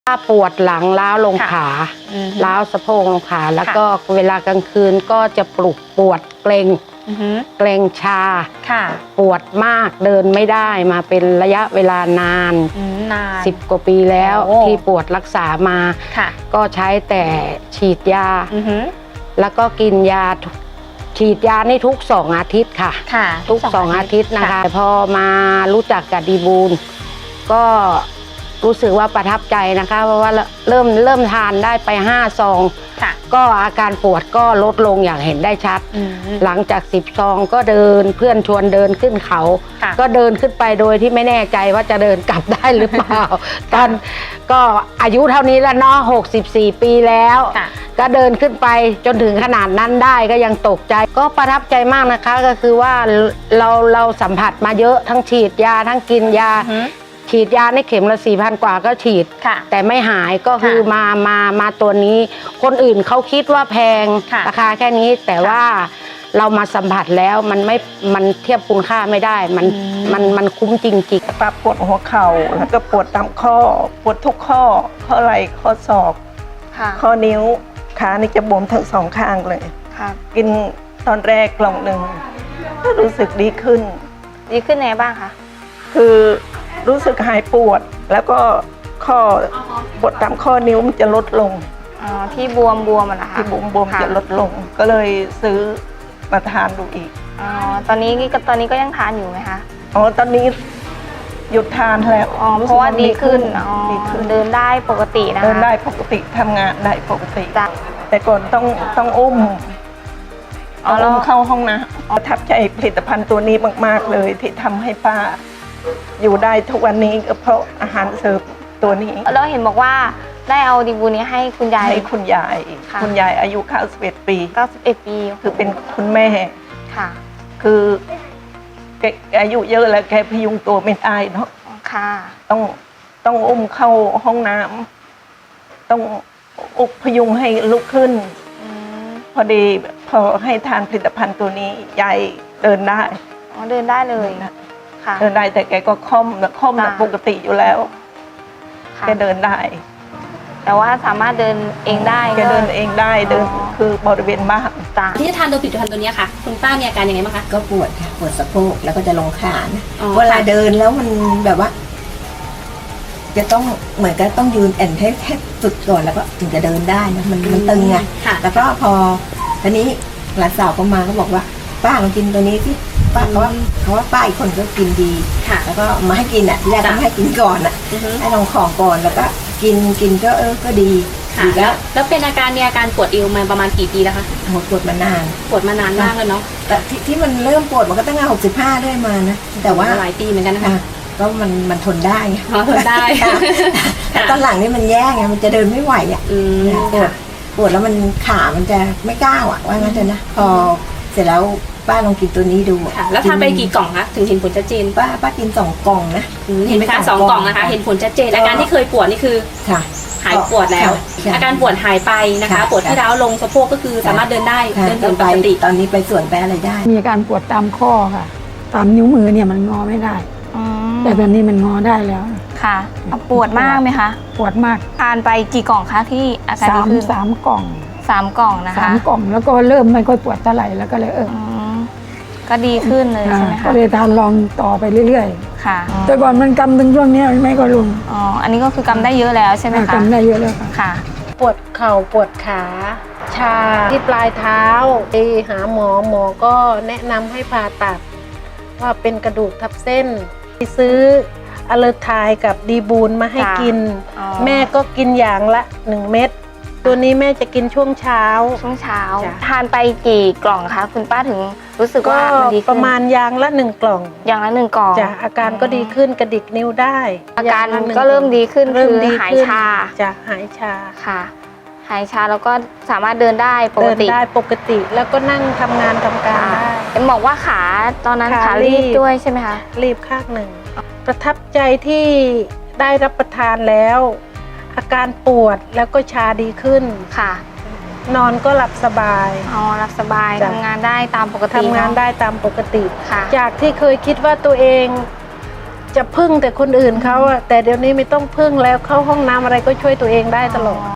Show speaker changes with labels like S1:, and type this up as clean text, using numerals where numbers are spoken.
S1: ถ้าปวดหลังล้าวลงขาล้าวสะโพกลงขาแล้วก็เวลากลางคืนก็จะปวดเกร็งเกร็งชาปวดมากเดินไม่ได้มาเป็นระยะเวลานาน10 กว่าปีแล้วที่ปวดรักษามาก็ใช้แต่ฉีดยาแล้วก็กินยาฉีดยานี่ทุก2 อาทิตย์ค่ะทุก2 อาทิตย์นะคะพอมารู้จักกับดีบูลก็รู้สึกว่าประทับใจนะคะเพราะว่าเริ่มทานได้ไป5 ซองก็อาการปวดก็ลดลงอย่างเห็นได้ชัดหลังจาก10 ซองก็เดินเพื่อนชวนเดินขึ้นเขาก็เดินขึ้นไปโดยที่ไม่แน่ใจว่าจะเดินกลับได้หรือเปล่าตอนก็อายุเท่านี้แล้วเนาะ64 ปีแล้วก็เดินขึ้นไปจนถึงขนาดนั้นได้ก็ยังตกใจก็ประทับใจมากนะคะก็คือว่าเราสัมผัสมาเยอะทั้งฉีดยาทั้งกินยาฉีดยาในเข็มละ 4,000 กว่าก็ฉีดแต่ไม่หายก็คือมาตัวนี้คนอื่นเขาคิดว่าแพงราคาแค่นี้แต่ว่าเรามาสัมผัสแล้วมันเทียบคุณค่าไม่ได้มันคุ้มจริงๆ
S2: ปวดหัวเข่าแล้วก็ปวดตามข้อปวดทุกข้อไหล่ข้อศอกข้อนิ้วขานี่จะบวมทั้ง2 ข้างเลยกินตอนแรกกล่องหนึ่งก็รู้สึกดีขึ้น
S3: ไงบ้างคะ
S2: คือรู้สึกหายปวดแล้วก็ข้อปวดตามข้อนิ้วมันจะลดลง
S3: ที่บวมมันนะคะ
S2: ที่บวมจะลดลงก็เลยซื้อมาทานดูอีก
S3: ตอนนี้ก็ยังทานอยู่ไหมคะ
S2: ตอนนี้หยุดทานแล้ว
S3: เพราะว่าดีขึ้นเดินได้ปกตินะคะ
S2: เดินได้ปกติทำงานได้ปกติแต่ก่อนต้องอุ้มเข้าห้องนะประทับใจผลิตภัณฑ์ตัวนี้มากๆเลยที่ทำให้ป้าอยู่ได้ทุกวันนี้ก็เพราะอาหารเสริมตัวนี้
S3: แล้วเห็นบอกว่าได้เอาดีบูนี้ให้คุณยาย
S2: คุณยายอายุ91 ปีคือเป็นคุณแม่
S3: ค่ะ
S2: คือแกอายุเยอะแล้วแกพยุงตัวไม่ได้เนาะ
S3: ค่ะ
S2: ต้องอุ้มเข้าห้องน้ำต้องพยุงให้ลุกขึ้นพอดีพอให้ทานผลิตภัณฑ์ตัวนี้ยายเดินได้
S3: เดินได้เลย
S2: เดินได้แต่แกก็ค่อมปกติอยู่แล้วแกเดินได้
S3: แต่ว่าสามารถเดินเองได้
S2: แกเดินเองได้เดินคือบริเวณบ้าน
S4: ที่จะทานตัวผลิตภัณฑ์ตัวนี้ค่ะคุณป้ามีอาการยังไงบ้างคะ
S5: ก็ปวดค่ะปวดสะโพกแล้วก็จะลงขาเวลาเดินแล้วมันแบบว่าจะต้องเหมือนกับต้องยืนแอนให้สุดก่อนแล้วก็ถึงจะเดินได้นะมันตึงไงแล้วก็พอทีนี้หลานสาวก็มาก็บอกว่าป้าลองกินตัวนี้ที่ป้าเขาว่าป้าอีกคนก็กินดีแล้วก็มาให้กินที่แรกก็ไม่ให้กินก่อนให้ลองของก่อนแล้วก็กินก็ดี
S4: แล้วเป็นอาการปวดเอวมาประมาณกี่ปีแล้วคะ
S5: ปวดมานาน
S4: มากเลยเนาะ
S5: แต่ที่มันเริ่มปวดมันก็ตั้งแต่65ด้วยมานะแต่ว่า
S4: หลายปีเหมือนกันนะคะ
S5: ก็มันทนได้
S4: ทนได้
S5: แต่ตอนหลังนี่มันแย่ไงมันจะเดินไม่ไหวปวดแล้วมันขามันจะไม่ก้าวว่างั้นเถอะนะพอเสร็จแล้วป้าลองกินตัวนี้ดู
S4: แล้วทานไปกี่กล่องคะถึงเห็นผลชัดเจน
S5: ป้ากิน2 กล่องนะ
S4: เห็นไหมคะ2 กล่องนะคะเห็นผลชัดเจนอาการที่เคยปวดนี่คือหายปวดแล้วอาการปวดหายไปนะคะปวดที่ร้าวลงสะโพกก็คือสามารถเดินได้เดินปกติ
S5: ตอนนี้ไปสวนไปอะไรได้
S6: มีอาการปวดตามข้อค่ะตามนิ้วมือเนี่ยมันงอไม่ได้แต่ตอนนี้มันงอได้แล้ว
S3: ค่ะปวดมากไหมคะ
S6: ปวดมาก
S3: ทานไปกี่กล่องคะที่อาการดีขึ้น
S6: 3 กล่อง
S3: 3 กล่องนะคะ
S6: 3 กล่องแล้วก็เริ่มไม่ค่อยปวดเท่าไหร่แล้วก็เลย
S3: ก็ดีขึ้นเลยใช่ไหมคะ
S6: ก็เลยทานลองต่อไปเรื่อย
S3: ๆค่ะ
S6: แต่ก่อนมันกำถึงช่วงนี้ไม่ก็ลง
S3: อันนี้ก็คือกำได้เยอะแล้วใช่ไหมคะ
S6: กำได้เยอะแล้ว
S3: ค่ะ
S1: ปวดเข่าปวดขาชาที่ปลายเท้าไปหาหมอก็แนะนำให้ผ่าตัดว่าเป็นกระดูกทับเส้นซื้ออะเลอร์ไทยกับดีบูลมาให้กินแม่ก็กินอย่างละ1 เม็ดตัวนี้แม่จะกินช่วงเช้า
S3: ทานไปกี่กล่องคะคุณป้าถึงรู้สึกว่า
S1: มันดีประมาณอย่างละ1 กล่องจ้ะอาการก็ดีขึ้นกระดิกนิ้วได้
S3: อาการก็เริ่มดีขึ้นคือหายชา
S1: จ้ะหายชา
S3: ค่ะหายชาแล้วก็สามารถเดินได้ป
S1: กติแล้วก็นั่งทำงานทำการได้
S3: บอกว่าขาตอนนั้นขารีบด้วยใช่ไหมคะ
S1: รีบข้างหนึ่งประทับใจที่ได้รับประทานแล้วอาการปวดแล้วก็ชาดีขึ้น
S3: ค่ะ
S1: นอนก็หลับสบาย
S3: หลับสบายทำงานได้ตามปกติ
S1: จากที่เคยคิดว่าตัวเองจะพึ่งแต่คนอื่นเขาอะแต่เดี๋ยวนี้ไม่ต้องพึ่งแล้วเข้าห้องน้ำอะไรก็ช่วยตัวเองได้ตลอด